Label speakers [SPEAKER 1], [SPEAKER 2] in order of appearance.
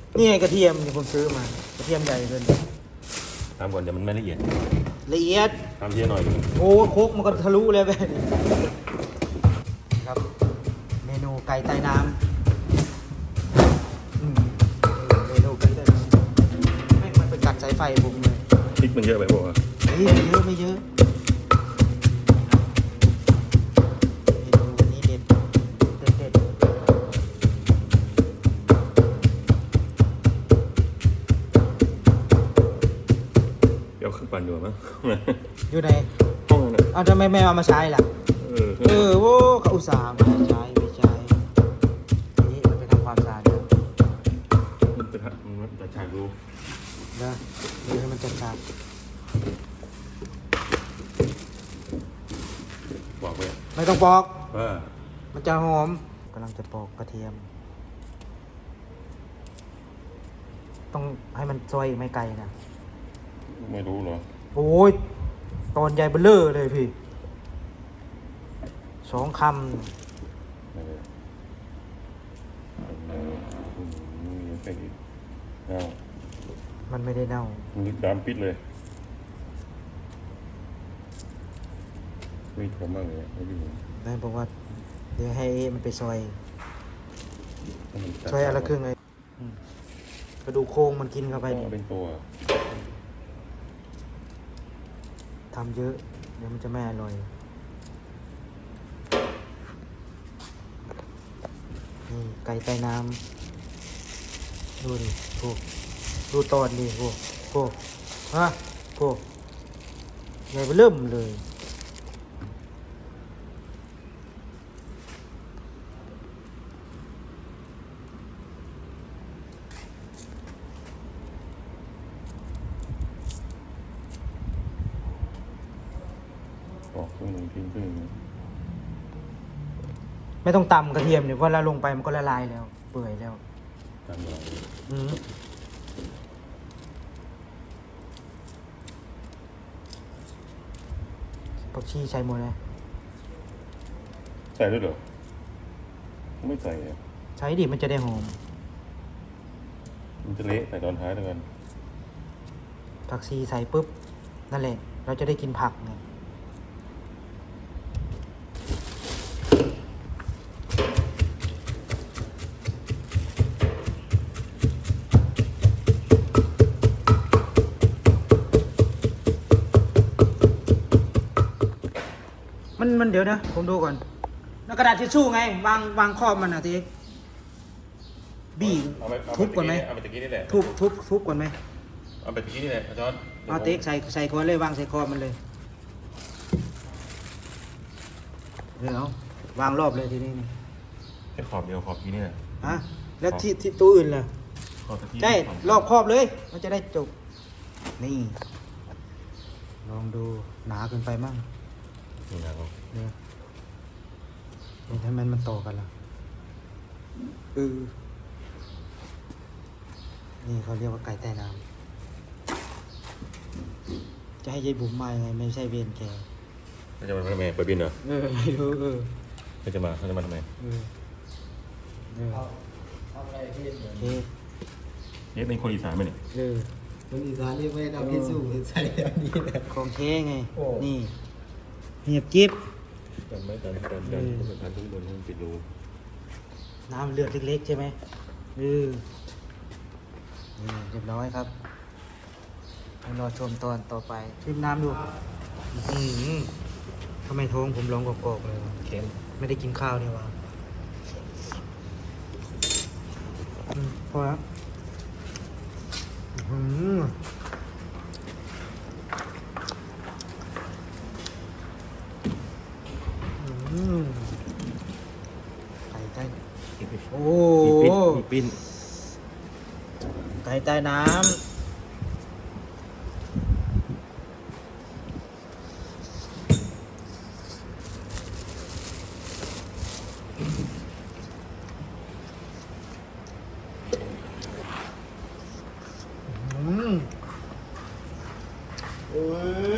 [SPEAKER 1] นี่ไงกระเทียมที่ผมซื้อมากระเทียมใหญ่เกิน
[SPEAKER 2] ทำก่อนเดี๋ยวมันไม่ละเอียด
[SPEAKER 1] ละเอียด
[SPEAKER 2] ทำเทียหน่อยนึง
[SPEAKER 1] โอ้โคกมันก็ทะลุเลยแบบนี้ครับเมนูไก่ใต้น้ำเมนูไก่ใต้น้ำไม่มันไปกัดสายไฟผมเลย
[SPEAKER 2] พริกมันเยอะไปบอกว่า
[SPEAKER 1] เฮ้ยไม่เยอะไม่เยอะเมนูวันนี้เด็ดเด็ด
[SPEAKER 2] เดี๋ยวขึ้นปั่นอยู่มั้ง
[SPEAKER 1] อยู่ใน
[SPEAKER 2] ห้องนั้นน่ะ
[SPEAKER 1] เอาทำไมไม่เอามาใช้ล่ะ โว้เขาอุตส่าห์ไม่ใช้ไม่ใช้นี่มันไปทำความสะอาดเดี๋ยว
[SPEAKER 2] มันจะฉากดู
[SPEAKER 1] นะดูให้มันจัด
[SPEAKER 2] บอกไป
[SPEAKER 1] ๆไม่ต้องปอก
[SPEAKER 2] ว่า
[SPEAKER 1] มันจะหอมกำลังจะปอกกระเทียม ต้องให้มันซอยไม่ไกลนะ
[SPEAKER 2] ไม่รู้เหรอ
[SPEAKER 1] โอ้ยตอนใหญ่เบ้อเร่อเลยพี่2 คำ
[SPEAKER 2] มีเป็นอีกเอา
[SPEAKER 1] มันไม่ได้เน่า
[SPEAKER 2] มันดำปิดเลยไม่ทำมากเลยไม่ดี
[SPEAKER 1] แม่บอกว่าเดี๋ยวให้มันไปซอย
[SPEAKER 2] ให้มันจัด
[SPEAKER 1] ซอยอนละไรครึ่งเลยกระดูกโครงมันกินเข้าไป
[SPEAKER 2] ก็
[SPEAKER 1] นี่
[SPEAKER 2] เป็นตัว
[SPEAKER 1] ทำเยอะ เดี๋ยวมันจะไม่อร่อยนี่ไก่ใต้น้ำดูดิพวกดูตอนดิพวกฮะพวกใหญ่เริ่มเลย
[SPEAKER 2] ออกครึ่งหนึ่งทิ้งครึ่งหนึ่ง
[SPEAKER 1] ไม่ต้องตำกระเทียมเดี๋ยวพอเราลงไปมันก็ละลายแล้ว เปื่อยแล้ว
[SPEAKER 2] ตามเรา
[SPEAKER 1] อืมผักชีใส่หมดเลย
[SPEAKER 2] ใส่ด้วยเหรอไม่ใส่อะ
[SPEAKER 1] ใช้ดิมันจะได้หอม
[SPEAKER 2] มันจะเละใส่ตอนท้ายแล้วกัน
[SPEAKER 1] ผักชีใส่ปุ๊บนั่นแหละ เราจะได้กินผักไงมันเดี๋ยวนะผมดูก่อนแล้วกระดาษทิชชู่ไงวางครอบมันอ่ะทีบี้
[SPEAKER 2] เอาไป
[SPEAKER 1] ทุบก่อนไหม
[SPEAKER 2] เอาไปตะกี้นี่แหละ
[SPEAKER 1] ทุบก่อนไหม
[SPEAKER 2] เอาไปตะกี้นี่แหละอาจารย์
[SPEAKER 1] เอาเต็กใส่คอเลยวางใส่คอมันเลยเดี๋ยววางรอบเลยทีนี้นี่
[SPEAKER 2] แค่ขอบเดียวขอบกี้นี่แหละ
[SPEAKER 1] ฮะแล้วที่ตัวอื่นล่ะ
[SPEAKER 2] ขอบตะกี้
[SPEAKER 1] ใช่รอบครอบเลย มันจะได้จบนี่ลองดูหนาเกินไปมั่ง
[SPEAKER 2] นี่นะครับ
[SPEAKER 1] เนี่ยทำไมมันต่อกันล่ะนี่เขาเรียกว่าไก่ใต้น้ำจะให้ยายบุ๋มมายังไงไม่ใช่เวรแก
[SPEAKER 2] เขาจะมาทำไมเปิดบินเหรอ
[SPEAKER 1] ไม่รู้
[SPEAKER 2] เขาจะมาทำไม
[SPEAKER 1] เอาอะไรที่โอเค
[SPEAKER 2] เนี่ยเป็นคนอีสานไหมเนี่ย
[SPEAKER 3] คนอีสานเรียกไม่ได้พิสูจน์ใส่อันนี้แหละ
[SPEAKER 1] ของเค้ไง
[SPEAKER 3] โอ้
[SPEAKER 1] นี่เหียบกิ๊บ
[SPEAKER 2] จำไม่จำทุกคนโดนปิดรู
[SPEAKER 1] น้ำเลือดเล็กๆใช่ไหมนี่เรียบร้อยครับให้รอชมตอนต่อไปชิมน้ำดูทำไมท้องผมร้องกอกๆเลยวะ
[SPEAKER 2] เค็ม
[SPEAKER 1] ไม่ได้กินข้าวนี่วะพอแล้วไก่ใต้โอ้
[SPEAKER 2] มีปิ้น
[SPEAKER 1] ไก่ใต้น้ำ